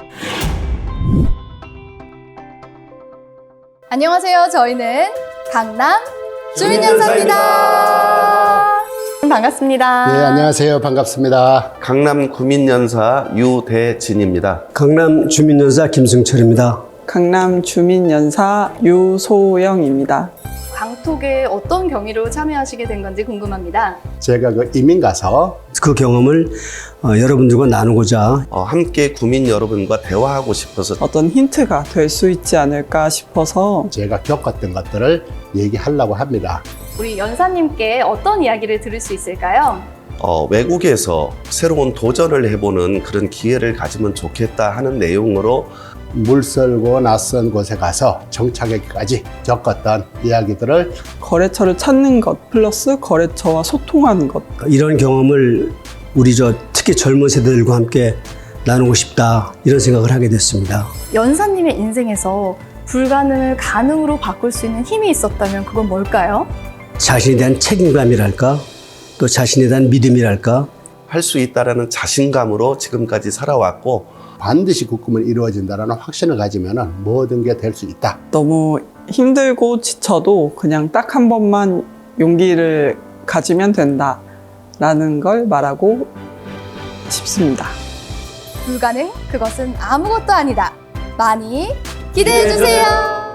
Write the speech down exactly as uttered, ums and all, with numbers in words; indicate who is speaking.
Speaker 1: 안녕하세요. 저희는 강남 주민연사입니다. 반갑습니다.
Speaker 2: 네, 안녕하세요. 반갑습니다.
Speaker 3: 강남 구민연사 유대진입니다.
Speaker 4: 강남 주민연사 김승철입니다.
Speaker 5: 강남 주민연사 유소영입니다.
Speaker 1: 광톡에 어떤 경위로 참여하시게 된 건지 궁금합니다.
Speaker 2: 제가 그 이민 가서
Speaker 4: 그 경험을 어, 여러분들과 나누고자
Speaker 3: 어, 함께 구민 여러분과 대화하고 싶어서
Speaker 5: 어떤 힌트가 될 수 있지 않을까 싶어서
Speaker 2: 제가 겪었던 것들을 얘기하려고 합니다.
Speaker 1: 우리 연사님께 어떤 이야기를 들을 수 있을까요?
Speaker 3: 어, 외국에서 새로운 도전을 해보는 그런 기회를 가지면 좋겠다 하는 내용으로
Speaker 2: 물설고 낯선 곳에 가서 정착하기까지 겪었던 이야기들을
Speaker 5: 거래처를 찾는 것 플러스 거래처와 소통하는 것.
Speaker 4: 이런 경험을 우리 저 특히 젊은 세대들과 함께 나누고 싶다 이런 생각을 하게 됐습니다.
Speaker 1: 연사님의 인생에서 불가능을 가능으로 바꿀 수 있는 힘이 있었다면 그건 뭘까요?
Speaker 4: 자신에 대한 책임감이랄까 또 자신에 대한 믿음이랄까
Speaker 3: 할 수 있다라는 자신감으로 지금까지 살아왔고
Speaker 2: 반드시 그 꿈을 이루어진다는 확신을 가지면 모든 게 될 수 있다.
Speaker 5: 너무 힘들고 지쳐도 그냥 딱 한 번만 용기를 가지면 된다라는 걸 말하고 싶습니다.
Speaker 1: 불가능? 그것은 아무것도 아니다. 많이 기대해 주세요.